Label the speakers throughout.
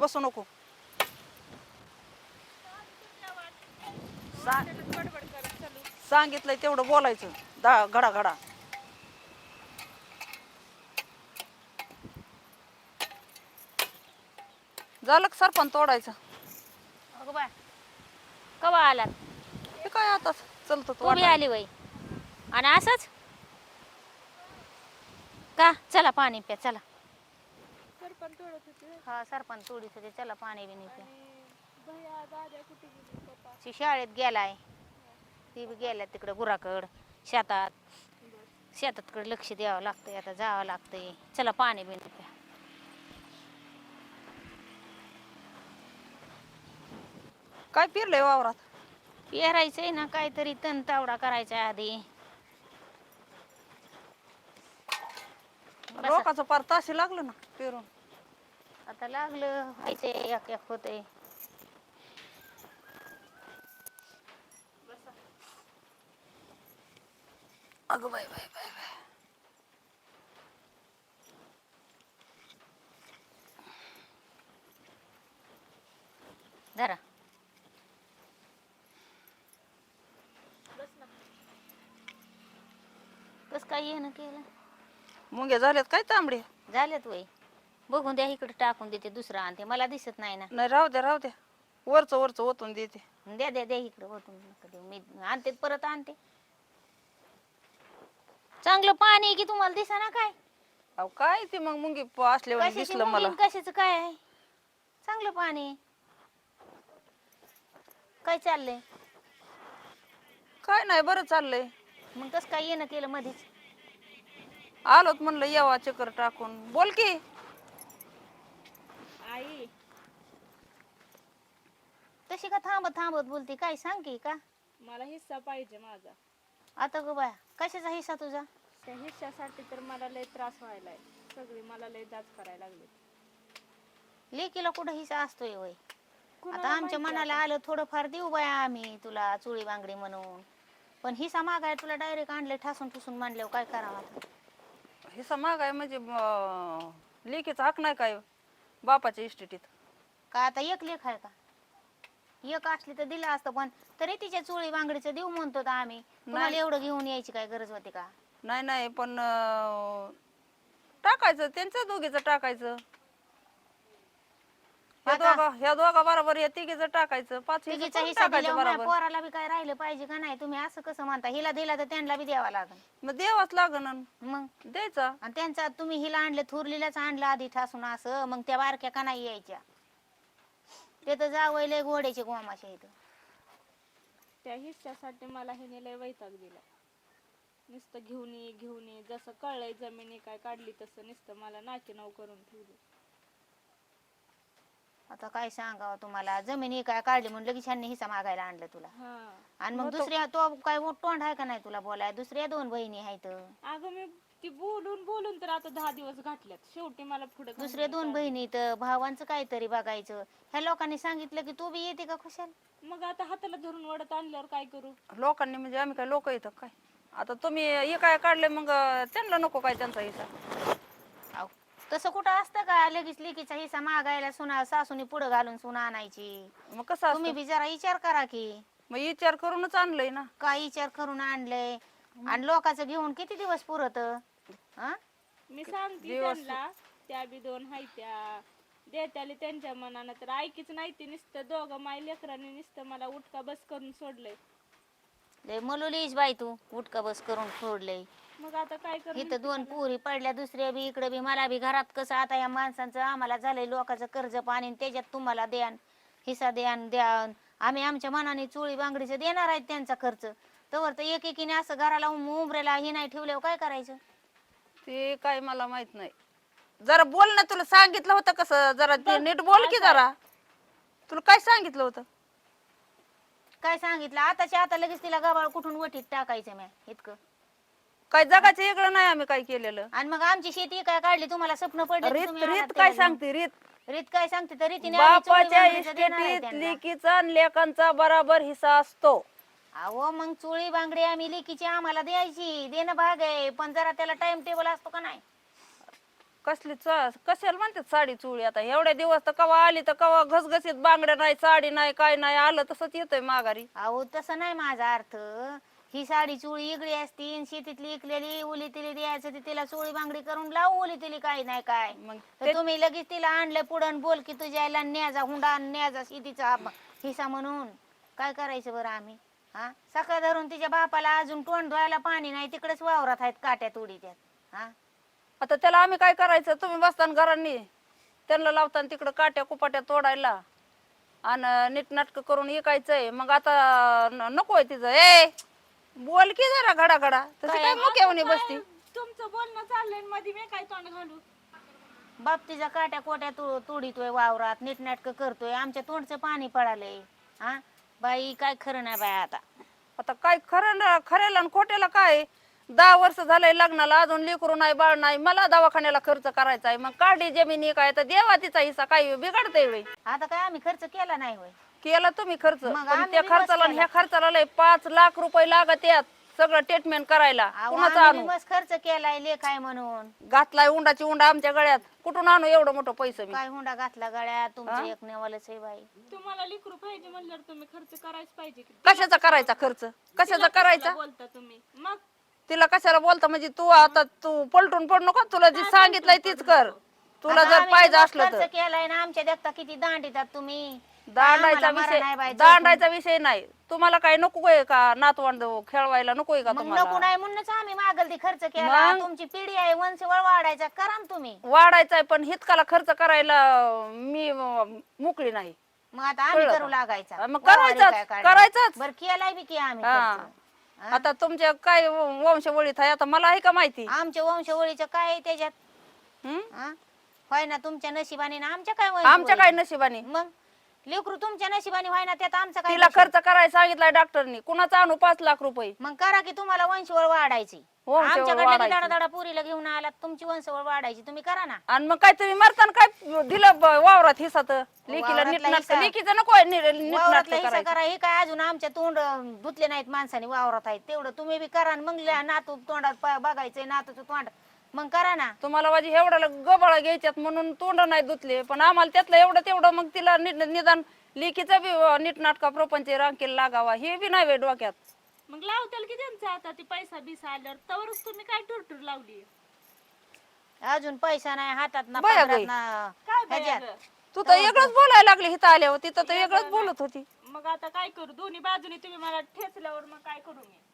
Speaker 1: बसू नको. सांगितलंय तेवढं बोलायचं. घडा घडा. झालं का सरपण तोडायचं?
Speaker 2: अगं बा कवा आलात?
Speaker 1: हे काय आता चलत
Speaker 2: तू बी आली वय आणि असंच का? चला पाणी प्या चला.
Speaker 3: सरपण तोडत होते.
Speaker 2: हा सरपण तोडीत होते. चला पाणी बिनी प्या.
Speaker 3: भैया दादा कुठे गेले? पप्पा
Speaker 2: ती शाळेत गेलाय. ती बी गेल्या तिकडं गुराकड शेतात. शेतातकडे लक्ष द्यावं लागतंय. आता जावं लागतंय. चला पाणी बिनी प्या.
Speaker 1: काय पिरलंय वावरात?
Speaker 2: पेरायचंय ना काहीतरी तण तावडा करायचा आधी. बसा.
Speaker 1: रोकाचं पार ताशी लागलं ना पेरून.
Speaker 2: आता लागलं व्हायचंय एक एक होतंय.
Speaker 1: अगं बाय बाय बाय बाय.
Speaker 2: धरा. कस काय येणं केलं?
Speaker 1: मुंग्या झाल्यात काय तांबडे?
Speaker 2: झालेत वय. बघून द्या इकडे टाकून देते. दुसरं आणते. मला दिसत नाही ना.
Speaker 1: नाही राहू द्या राहू द्या. वरचं ओतून देते.
Speaker 2: द्या द्या द्या इकडे होतून नका देऊ. मी आणते परत आणते. चांगलं पाणी आहे की तुम्हाला दिसा ना काय?
Speaker 1: अहो काय ते मग मुंगी असल्यावर
Speaker 2: कशाची
Speaker 1: दिसलं मला.
Speaker 2: मुंगी कशाचं काय आहे? चांगलं पाणी आहे. काय चाललंय?
Speaker 1: काय नाही बरं चाललंय.
Speaker 2: मग कसं काय येणं केलं मध्येच?
Speaker 1: आलोत म्हणलं येवा चक्कर टाकून. बोल की.
Speaker 3: आई
Speaker 2: तशी का थांबत थांबत बोलते? काय सांग की का?
Speaker 3: मला हिस्सा पाहिजे माझा.
Speaker 2: आता गो बाया कशाचा हिस्सा तुझा?
Speaker 3: त्या हिस्सासाठी तर मला लय त्रास व्हायलाय. सगळी मला लय जाच करायला लागली.
Speaker 2: लेकीला कुठं हिस्सा असतोय वय?
Speaker 3: कुणाला
Speaker 2: आता आमच्या
Speaker 3: माहिती
Speaker 2: मनाला
Speaker 3: आता?
Speaker 2: आलं थोडंफार देऊ बाया आम्ही तुला चुळी बांगडी म्हणून. पण हिस्सा मागाय तुला डायरेक्ट आणले ठासून ठुसून मांडल्यावर काय करावं आता?
Speaker 1: हिस्सा मागाय म्हणजे लेकीचा हक नाही काय बापाच्या इस्टेटीत?
Speaker 2: का आता एक लेख आहे का? एक असली तर दिलं असतं. पण तरी तिच्या चुळी बांगडीचं देऊ म्हणतो आम्ही. तुम्हाला एवढं घेऊन यायची काय गरज होती का?
Speaker 1: नाही नाही पण टाकायचं त्यांचं दोघीचं टाकायचं. ह्या दोघा बरोबर या तिघीचं टाकायचं. 5 हिस्सा
Speaker 2: तिघीचा
Speaker 1: करून
Speaker 2: हिस्सा
Speaker 1: टाकायचं
Speaker 2: दिल्यावर माझ्या
Speaker 1: बरोबर.
Speaker 2: पोराला बी काय राहिलं पाहिजे का नाही? तुम्ही असं कसं म्हणता? हिला दिला तर त्यांना बी द्यावा लागेल.
Speaker 1: मग द्यावाच लागन
Speaker 2: मग
Speaker 1: द्यायचा.
Speaker 2: आणि त्यांचा तुम्ही हिला आणलं थुरलीलाच आणलं आधी ठासून असं. मग त्या बारक्या का नाही यायच्या? ते तर जावं लय घोड्याचे गोमाशा इथं.
Speaker 3: त्या हिस्सासाठी मला ह्याने लय वैताग दिला. नुसतं घेऊन ये जसं कळलंय जमिनी काय काढली तसं नुसतं मला नाकी नऊ करून ठेवली.
Speaker 2: आता काय सांगावं तुम्हाला? जमिनी काय काढली म्हणून लगेच ह्यांनी हिस्सा मागायला आणलं तुला.
Speaker 3: हा
Speaker 2: आणि मग दुसऱ्या तो काय तोंड आहे का नाही तुला बोलाय? दुसऱ्या 2 बहिणी आहेत.
Speaker 3: अगं मी ती बोलून तर आता 10 दिवस घातल्यात. शेवटी मला पुढे
Speaker 2: दुसऱ्या 2 बहिणी तर भावांचं काहीतरी बघायचं. ह्या लोकांनी सांगितलं की तू बी येते का खुशाल?
Speaker 3: मग आता हाताला धरून वडत आणल्यावर काय करू?
Speaker 1: लोकांनी म्हणजे आम्ही काय लोक येतं काय? आता तुम्ही हे काय काढले मग त्यांना नको काय त्यांचा हिस्सा?
Speaker 2: अहो, तसं कुठं असतं का? लगेच लेकीचा हिस्सा मागायला सुना सासूनी पुढं घालून सुना आणायची.
Speaker 1: मग कसं
Speaker 2: तुम्ही
Speaker 1: असतं?
Speaker 2: बी जरा विचार करा की.
Speaker 1: मग विचार करूनच आणलंय ना.
Speaker 2: काय विचार करून आणलंय? आणि लोकांचं घेऊन किती दिवस पुरत?
Speaker 3: मी सांगते
Speaker 1: दिवस-
Speaker 3: त्यांना. त्या बी 2 हायत्या देत्याले त्यांच्या मनानं तर ऐकीच नाही. ती नुसतं दोघं माय लेकरांनी नुसतं मला उठका बस करून सोडलंय.
Speaker 2: लय मलुलीच बाई तू उठका बस करून सोडलंय.
Speaker 3: मग आता काय करू?
Speaker 2: इथं 2 पुरी पडल्या दुसऱ्या बी इकडे बी मला बी घरात कसं आता या माणसांचं आम्हाला झालंय लोकांचं कर्ज पाणी आणि त्याच्यात तुम्हाला द्यान हिस्सा द्यान. आम्ही आमच्या मनाने चोळी बांगडीचं देणार आहेत त्यांचा खर्च. तवर तर एकीने असं घराला उमरेला हे नाही ठेवल्यावर काय करायचं?
Speaker 1: ते काय मला माहित नाही. जरा बोल ना. तुला सांगितलं होतं कसं? जरा ते नीट बोल की जरा. तुला काय सांगितलं होतं?
Speaker 2: काय सांगितलं? आताच्या आता लगेच तिला गबाळ कुठून वटीत टाकायचं म्या इतकं.
Speaker 1: काय जगाचं वेगळं नाही आम्ही काय केलेलं.
Speaker 2: आणि मग आमची शेती काय काढली तुम्हाला स्वप्न पडले तर
Speaker 1: रीत
Speaker 2: तुम्ही आलात
Speaker 1: रीत काय
Speaker 2: त्याला.
Speaker 1: सांगते रीत?
Speaker 2: रीत काय सांगते तर रीतीने आम्ही चोळी
Speaker 1: बापाच्या
Speaker 2: बांगडीचं देणार आहे
Speaker 1: इस्टेटीत
Speaker 2: त्यांना.
Speaker 1: लेकीचा आणि लेकांचा बराबर हिस्सा असतो.
Speaker 2: अहो मग चोळी बांगडी आम्ही लेकीची आम्हाला द्यायची देणं भाग आहे. पण जरा त्याला टाइम टेबल असतो का नाही?
Speaker 1: कसली कशाला म्हणतात साडी चोळी? आता एवढ्या दिवस तर कवा आली तर कवा घसघसीत बांगड्या नाही, साडी नाही, काय नाही, आलं तसंच येतंय माघारी.
Speaker 2: अहो तसं नाही माझा अर्थ. ही साडी चोळी इगडी असती आणि शेतीतली इकलेली उली तिली द्यायचं, ती तिला चोळी बांगडी करून लावू उली तिली काही नाही काय.
Speaker 1: मग
Speaker 2: तर तुम्ही लगेच तिला आणलं पुढं बोल की तुझ्या आईला न्याजा हुंडा न्याजा शेतीचा हिस्सा म्हणून. काय करायचं बरं आम्ही? हा सकाळ धरून तिच्या बापाला अजून तोंड धुवायला पाणी नाही, तिकडेच वावरात आहेत काट्यात उडी त्यात. हा
Speaker 1: आता त्याला आम्ही काय करायचं? तुम्ही बसताना घरांनी त्यांना लावताना तिकडं काट्या कुपाट्या तोडायला आणि नीटनाटक करून विकायचंय. मग आता नकोय तिचं. ए बोल की जरा घडा घडा, तशी काय मुक्यावणी बसती.
Speaker 3: तुमचं बोलणं चाललंय आणि मध्ये मी काय तोंड घालू?
Speaker 2: बाप तिच्या काट्या कोट्या तोडीतोय वावरात, नीटनाटक करतोय, आमच्या तोंडचं पाणी पडालंय. हा बाई काय खरं नाही बाई आता.
Speaker 1: आता काय खऱ्याला आणि खोट्याला काय? 10 वर्ष झालंय लग्नाला, अजून लेकरू नाही, बाळ नाही, मला दवाखान्याला खर्च करायचा आहे. मग काढी जमिनी काय तर देवा तिचा हिस्सा, काय बिघडतंय वेळी?
Speaker 2: आता काय आम्ही खर्च केला नाही होय?
Speaker 1: केला तुम्ही खर्च,
Speaker 2: मग
Speaker 1: पण
Speaker 2: आम्ही
Speaker 1: त्या
Speaker 2: बी
Speaker 1: खर्चाला आणि ह्या खर्चाला लय 5 लाख रुपये लागत यात सगळं ट्रीटमेंट करायला.
Speaker 2: अहो,
Speaker 1: कुणाचं
Speaker 2: आम्ही
Speaker 1: आणू?
Speaker 2: बी मस्त खर्च केलाय लेखाय म्हणून.
Speaker 1: घातलाय उंडाची उंडा आमच्या गळ्यात, कुठून आणू एवढं मोठं पैसे मी?
Speaker 2: काय हुंडा घातला गळ्यात? तुमचं एक नेवालच आहे बाई.
Speaker 3: तुम्हाला लेकरू पाहिजे म्हणल्यावर तुम्ही खर्च करायच पाहिजे की.
Speaker 1: कशाचा करायचा खर्च? कशाचा करायचा?
Speaker 3: बोलता तुम्ही मग?
Speaker 1: तिला कशाला बोलता म्हणजे? तू पलटून पड नको, तुला जी सांगितलंय तीच कर. तुला
Speaker 2: आता
Speaker 1: जर
Speaker 2: आम्ही
Speaker 1: पाहिजे
Speaker 2: बी मस्त
Speaker 1: असलं तर.
Speaker 2: खर्च केलाय ना, आमच्या देखता किती दांडीतात तुम्ही.
Speaker 1: दांडायचा
Speaker 2: आम्हाला मरण आहे
Speaker 1: विषय
Speaker 2: बाई,
Speaker 1: दांडायचा विषय नाही. तुम्हाला काय नको आहे का? नातवंड खेळवायला नको आहे का
Speaker 2: मग नको
Speaker 1: तुम्हाला?
Speaker 2: नाही म्हणूनच आम्ही मागल ती खर्च केला.
Speaker 1: मग?
Speaker 2: तुमची पिढी आहे, वंशवळ वाढायचा करा ना तुम्ही.
Speaker 1: वाढायचाय पण हितकाला खर्च करायला मी मोकळी नाही.
Speaker 2: मग आता आम्ही
Speaker 1: कळलं
Speaker 2: करू
Speaker 1: का?
Speaker 2: लागायचा.
Speaker 1: मग
Speaker 2: वावरी
Speaker 1: करायचाच,
Speaker 2: काय काढणार?
Speaker 1: करायचाच.
Speaker 2: बरं केलाय बी की आम्ही
Speaker 1: हा.
Speaker 2: खर्च.
Speaker 1: आता तुमच्या काय वंशवळीत आहे आता मला आहे का माहिती?
Speaker 2: आमच्या वंशवळीचं काय आहे त्याच्यात?
Speaker 1: हं?
Speaker 2: हा? होय ना तुमच्या नशिबाने ना आमच्या काय
Speaker 1: आमच्या
Speaker 2: वंशवळी?
Speaker 1: काय नशिबाने?
Speaker 2: मग लेकरू तुमच्या नशिबाने व्हाय ना, त्यात आमचं काय
Speaker 1: तिला
Speaker 2: नशीब?
Speaker 1: खर्च करायला सांगितलाय डॉक्टरनी. कुणाचा आणू 5 लाख रुपये?
Speaker 2: मग करा की, तुम्हाला वंशवळ वाढायची.
Speaker 1: वंशवळ
Speaker 2: आमच्याकडे
Speaker 1: वाढायची.
Speaker 2: दाडा दाडा पुरीला घेऊन आलात, तुमची वंशवळ वाढायची. तुम्ही करा ना.
Speaker 1: आणि मग काय तुम्ही मरताना काय दिलं वावरात हिस्सा? तर लेकीला
Speaker 2: वावरातला
Speaker 1: नीटनाटक,
Speaker 2: हिस्सा.
Speaker 1: लेकीचं नको आहे नीटनाटक
Speaker 2: वावरातला हिस्सा
Speaker 1: करायचं.
Speaker 2: करा. हे काय अजून आमच्या तोंड धुतले नाहीत माणसाने वावरात आहेत तेवढं तुम्ही बी करा. आणि मग नातू तोंडात बघायचंय, नातूचं तोंड मग करा ना.
Speaker 1: तुम्हाला माझी एवढ्याला गबाळा घ्यायच्यात म्हणून तोंड नाही धुतले, पण आम्हाला त्यातलं एवढं तेवढं मग तिला निदान लेकीचा बी नीटनाटका प्रपंच रांकेला लागावा हे बी नाही डोक्यात.
Speaker 3: मग लावताल की त्यांचा आता ती पैसा बिसा आल्यावर, तवरच तुम्ही काय टुरटूर लावली?
Speaker 2: अजून पैसा नाही हातात ना,
Speaker 1: बया
Speaker 2: पदरात
Speaker 1: बाई.
Speaker 2: ना.
Speaker 3: काय बाई
Speaker 2: ह्याच्यात.
Speaker 3: अगं?
Speaker 1: तू तर वेगळंच बोलायला लागली हिथं आल्यावर, तिथं तर वेगळंच बोलत होती.
Speaker 3: मग आता काय करू? दोन्ही बाजूनी तुम्ही मला ठेचल्यावर मग काय करू मी?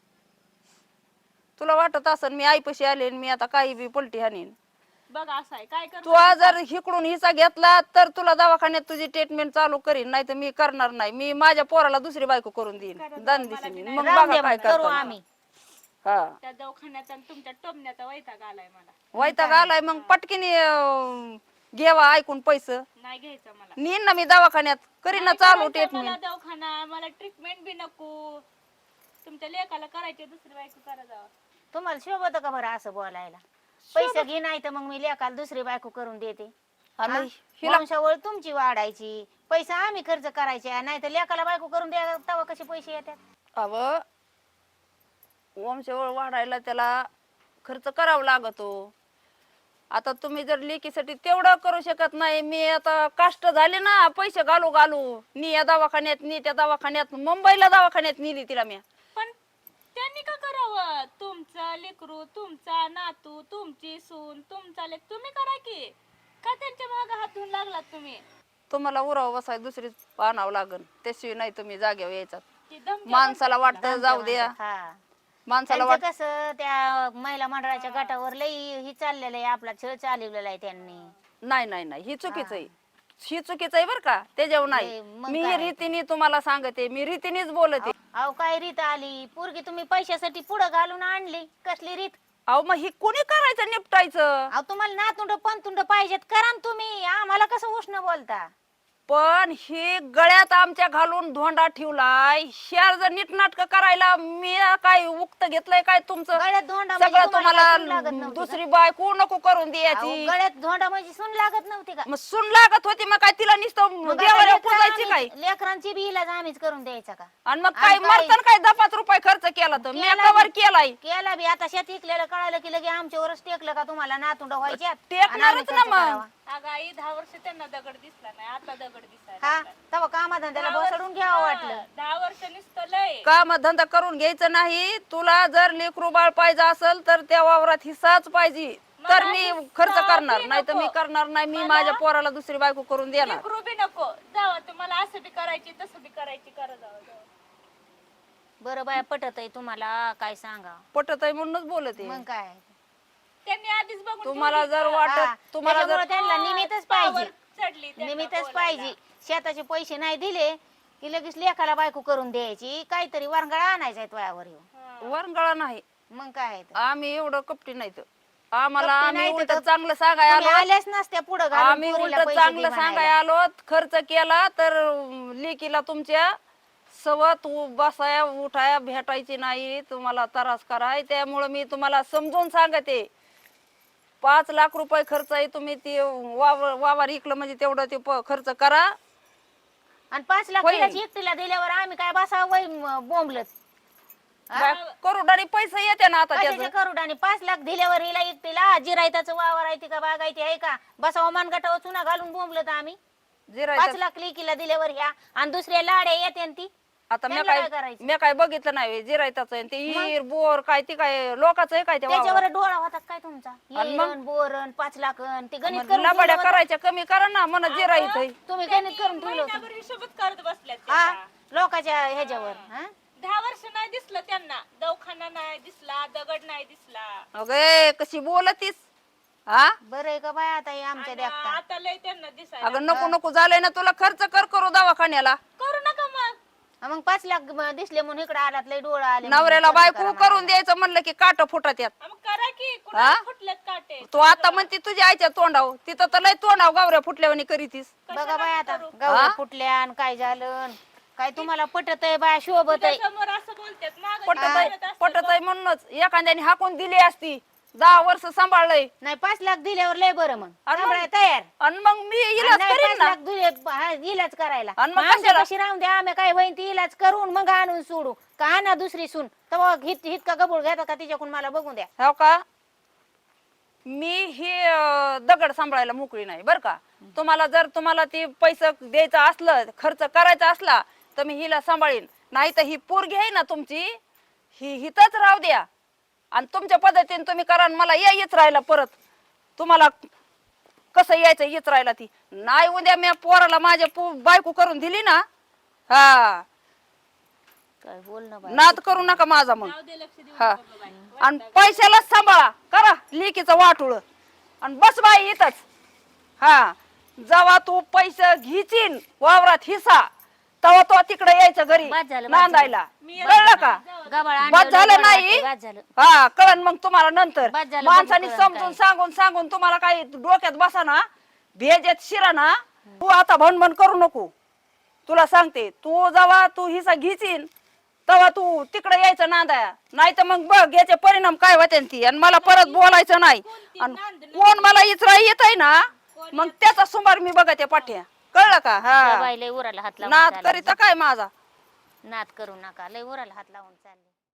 Speaker 1: तुला वाटत असन मी आईपाशी आले आणि मी आता काही बी पलटी हाणीन.
Speaker 3: बघ असं आहे काय
Speaker 1: तू
Speaker 3: करू?
Speaker 1: आज जर हिकडून हिस्सा घेतला तर तुला दवाखान्यात तुझी ट्रीटमेंट चालू करीन, नाही तर मी करणार नाही. मी माझ्या पोराला दुसरी बायको करून देईन, दान दिसेन. मग
Speaker 2: राहून
Speaker 1: बघा
Speaker 2: दे
Speaker 1: काय
Speaker 2: मग, करू
Speaker 1: करतो.
Speaker 2: आम्ही.
Speaker 1: हा
Speaker 3: त्या दवाखान्यात आणि तुमच्या टोमण्याचा वैताग आलाय मला.
Speaker 1: वैताग आलाय मग पटकीने घेवा ऐकून पैसे.
Speaker 3: नाही घ्यायचं मला.
Speaker 1: नेईन ना मी दवाखान्यात, करीन ना
Speaker 3: नाही
Speaker 1: चालू
Speaker 3: करायचं
Speaker 1: ट्रीटमेंट.
Speaker 3: मला दवाखाना, मला ट्रीटमेंट बी नको. तुमच्या लेकाला करायचे, दुसरी बायको करा जावा.
Speaker 2: तुम्हाला शोभत का बरं असं बोलायला? पैसे घे नाही तर मग मी लेकाला दुसरी बायको करून देते.
Speaker 1: आणि हिला
Speaker 2: वंशावळ तुमची वाढायची, पैसा आम्ही खर्च करायचे, नाही तर लेकाला बायको करून द्या तेव्हा कसे पैसे येतात?
Speaker 1: अव वंशवळ वाढायला त्याला खर्च करावा लागतो. आता तुम्ही जर लेकीसाठी तेवढं करू शकत नाही, मी आता कष्ट झाले ना पैसे घालू घालू, नी या दवाखान्यात नी त्या दवाखान्यात, मुंबईला दवाखान्यात नेली तिला मी.
Speaker 3: पण त्यांनी का करावं? तुमचा लेकरू, तुमचा नातू, तुमची सून, तुमचा लेक, तुम्ही करा की. का त्यांच्या मागे हात धुवून लागलात तुम्ही?
Speaker 1: तुम्हाला उराव बसाय दुसरीच आणावं लागन, त्याशिवाय नाही तुम्ही जागेवर यायचा.
Speaker 3: ती धमक्या
Speaker 1: माणसाला वाटतं जाऊ द्या,
Speaker 2: हा.
Speaker 1: माणसाला
Speaker 2: त्यांचं
Speaker 1: वाट
Speaker 2: कसं त्या महिला मंडळाच्या गटावर लई ही चाललेलं आहे, आपला छळ चालवलेला आहे त्यांनी.
Speaker 1: नाही नाही नाही, ही चुकीचं आहे, ही चुकीचं आहे बरं का. त्याच्यावर नाही,
Speaker 2: नाही, मग
Speaker 1: मी
Speaker 2: काय?
Speaker 1: रीतीने तुम्हाला सांगते, मी रीतीनेच बोलते.
Speaker 2: अहो काय रीत आली? पोरगी तुम्ही पैशासाठी पुढे घालून आणली, कसली रीत?
Speaker 1: अहो मग ही कोणी करायचं निपटायचं?
Speaker 2: अहो तुम्हाला नातुंड पंतुंड पाहिजेत, करा ना तुम्ही. आम्हाला कसं उष्ण बोलता?
Speaker 1: पण ही गळ्यात आमच्या घालून धोंडा ठेवलाय, शेर जर नीटनाटक करायला मी काय उक्त घेतलंय काय तुमचं?
Speaker 2: गळ्यात धोंडा म्हणजे
Speaker 1: सगळं
Speaker 2: तुम्हाला काय सून लागत
Speaker 1: तुम्हाला
Speaker 2: नव्हती
Speaker 1: दुसरी बायको नको करून
Speaker 2: का? अहो,
Speaker 1: द्यायची.
Speaker 2: गळ्यात धोंडा म्हणजे सून लागत नव्हती का?
Speaker 1: मग सुन लागत होती, मग काय तिला नुसतं
Speaker 2: मग आता
Speaker 1: देवाला
Speaker 2: लेकरं
Speaker 1: पुजायचं काय
Speaker 2: लेकरांची बी इलाज आम्हीच करून द्यायचा का?
Speaker 1: आणि मग काय मरताना काय 10-5 रुपये खर्च केला तर मी कवर केलाय.
Speaker 2: केला बी आता शेत इकलेलं कळालं की लगे आमच्यावरच टेकलं का तुम्हाला नातुंड व्हायच्यात?
Speaker 1: टेकणारच ना मग.
Speaker 3: अगं आई 10 वर्ष त्यांना दगड दिसला नाही, आता दगड दिसायला
Speaker 2: हा
Speaker 3: लागलाय.
Speaker 2: तेव्हा कामाधंद्याला बसडून घ्यावं वाटलं.
Speaker 3: 10 वर्ष नुसतं लय.
Speaker 1: काम धंदा करून घ्यायचं नाही. तुला जर लेकरू बाळ पाहिजे असेल तर त्या वावरात हिस्साच पाहिजे तर मी खर्च करणार, नाही तर मी करणार नाही. मी माझ्या पोराला दुसरी बायको करून देणार.
Speaker 3: लेकरू बी नको जावा, तुम्हाला असं बी करायची तसं बी करायची, करा जावा.
Speaker 2: बरं बाया पटत आहे तुम्हाला काय सांगा?
Speaker 1: पटत आहे म्हणूनच बोलते.
Speaker 2: मग काय
Speaker 3: त्यांनी आधीच बघून
Speaker 1: तुम्हाला जर
Speaker 2: हा,
Speaker 1: वाटत तुम्हाला जर
Speaker 2: त्याच्यामुळं त्यांना निमित्तच पाहिजे.
Speaker 3: चढली त्यांना
Speaker 2: निमित्तच
Speaker 3: बोलायला.
Speaker 2: पाहिजे. शेताचे पैसे नाही दिले की लगेच लेखाला बायको करून द्यायची, काहीतरी वरंगळा आणायचा वयावर येऊन.
Speaker 1: वरंगळा नाही.
Speaker 2: मग काय आहे तर?
Speaker 1: आम्ही एवढं कपटी नाही तर आम्हाला
Speaker 2: कपटी
Speaker 1: आम्ही
Speaker 2: नाही तर
Speaker 1: उलट चांगलं सांगाय
Speaker 2: तुम्ही
Speaker 1: आलो.
Speaker 2: आल्याच नसत्या पुढं
Speaker 1: आम्ही उलट चांगलं सांगाय आलो. खर्च केला तर लेकीला तुमच्या सवत बसाया उठाया भेटायची नाही, तुम्हाला त्रास कराय. त्यामुळे मी तुम्हाला समजून सांगते 5 लाख रुपये खर्च आहे. तुम्ही ते वावर इकलं म्हणजे तेवढं ते खर्च करा.
Speaker 2: आणि 5 लाख
Speaker 1: होय.
Speaker 2: तिला एकटीला दिल्यावर आम्ही काय बसावं वय बोंबलत?
Speaker 1: करोडाने पैसे येते ना आता
Speaker 2: कशाचे
Speaker 1: त्याचं.
Speaker 2: करोडाने 5 लाख दिल्यावर हिला एकटीला जिरायताचं वावर आहे का बागायती आहे का? बसावं मानगटावर चुना घालून बोंबलत आम्ही. 5
Speaker 1: जिरायचं
Speaker 2: लाख लेकीला दिल्यावर ह्या आणि दुसऱ्या लाड्या येते आणि ती
Speaker 1: आता मी
Speaker 2: त्यांना
Speaker 1: काय
Speaker 2: काय करायचं?
Speaker 1: मी काय बघितलं नाही. जिरायताच ते हिर बोर काय ती काय लोकांचं आहे काय त्या
Speaker 2: त्याच्यावर डोळा होता काय तुमचा?
Speaker 1: आणि मग?
Speaker 2: येरण बोरण 5 लाख ते गणित करून
Speaker 1: लबाड्या
Speaker 2: ठेवलं होतं.
Speaker 1: करायच्या कमी करा ना म्हणा जिरायत
Speaker 2: तुम्ही गणित करून ठेवलं होतं.
Speaker 3: महिनाभर हिशोबच करत बसल्यात
Speaker 2: हा
Speaker 3: त्या.
Speaker 2: लोकांच्या ह्याच्यावर हा
Speaker 3: 10 वर्ष नाही दिसलं त्यांना, दवाखाना नाही दिसला, दगड नाही दिसला.
Speaker 1: अगे कशी बोलतीस हा.
Speaker 2: बरं आहे का बाय आता हे आमच्या
Speaker 3: आणि
Speaker 2: देखता
Speaker 3: आता लय त्यांना दिसायला.
Speaker 1: अगं नको नको झालंय ना तुला. खर्च करू दवाखान्याला.
Speaker 3: करू नका मग.
Speaker 2: मग 5 लाख दिसले म्हणून इकडे आलात लय डोळा आले
Speaker 1: नवऱ्याला
Speaker 2: म्हणून खर्च
Speaker 1: बायको
Speaker 2: करा
Speaker 1: करून द्यायचं म्हणलं की काट फुटत यात.
Speaker 3: मग करा की कुणाला फुटलेत काटे.
Speaker 1: तू आता म्हणते तुझ्या आईच्या तोंडाव, तिथं तर लय तोंडाव गावऱ्या फुटल्यावानी करीतीस.
Speaker 2: म्हणा. बघा बाय आता गवळ्या फुटल्या आणि काय झालं काय तुम्हाला पटत आहे बाय शोभत आहे
Speaker 3: समोर असं बोलतात मागं
Speaker 1: पटत
Speaker 3: बोलत
Speaker 1: आहे
Speaker 3: असतात.
Speaker 1: पटत आहे म्हणूनच एखाद्याने हाकून दिली असती. 10 वर्ष सांभाळलंय
Speaker 2: नाही 5 लाख दिल्यावर लय बरं मग
Speaker 1: आणि मग?
Speaker 2: सांभाळायला तयार
Speaker 1: आणि मग मी इलाज
Speaker 2: नाही,
Speaker 1: करीन
Speaker 2: 5
Speaker 1: ना.
Speaker 2: लाख दिले इलाज करायला
Speaker 1: आणि मग
Speaker 2: मग आमच्या
Speaker 1: कशाला?
Speaker 2: कशी राहून द्या आम्ही काय होईन ती इलाज करून मग आणून सोडू का आणा दुसरी सून तेव्हा हित का गबूळ घेता का तिच्याकडून मला बघून द्या.
Speaker 1: हो का. मी ही दगड सांभाळायला मोकळी नाही बर का. तुम्हाला ती पैसे द्यायचं असलं खर्च करायचा असला तर मी हिला सांभाळीन. नाही तर ही पोरगी आहे ना तुमची ही हितच राहू द्या आणि तुमच्या पद्धतीने तुम्ही करा. आणि मला येच राहिला परत तुम्हाला कसं यायचं येच राहिला ती नाही. उद्या मी पोराला माझ्या बायको करून दिली ना हा
Speaker 2: काय बोलणं बाय
Speaker 1: नाद करू नका माझा मग.
Speaker 3: जाऊ दे, लक्ष देऊ
Speaker 1: हा
Speaker 3: नका बाबा.
Speaker 1: आणि पैशालाच सांभाळा करा लेकीचं वाटुळ आणि बस बाई इथंच. हा जेव्हा तू पैसे घिचीन वावरात हिस्सा तेव्हा तो तिकडे यायचं घरी
Speaker 2: बाद झालं, बाद
Speaker 1: नांदायला.
Speaker 3: मी
Speaker 1: कळलं का.
Speaker 2: गबाळ
Speaker 1: बाद झालं नाही
Speaker 2: बाद झालं
Speaker 1: हा कळण मग तुम्हाला नंतर.
Speaker 2: बाद झालं,
Speaker 1: माणसाने
Speaker 2: बघू कळण
Speaker 1: समजून सांगून तुम्हाला काही डोक्यात बसा ना भेजेत शिरा ना. तू आता भणभण करू नको. तुला सांगते तू जेव्हा तू हिस्सा घिचीन तेव्हा तू तिकडे यायचं नांदाया. नाही तर मग बघ याचे परिणाम काय होते ती. आणि मला परत बोलायचं नाही. आणि कोण मला इचरा येत आहे ना मग त्याचा सुमार मी बघते पाठ्या. कळलं का. हा
Speaker 2: बाई लय उराला हात लावून
Speaker 1: नाद
Speaker 2: चालली.
Speaker 1: करीता काय माझा.
Speaker 2: नाद करू नका लय उराला हात लावून चालले.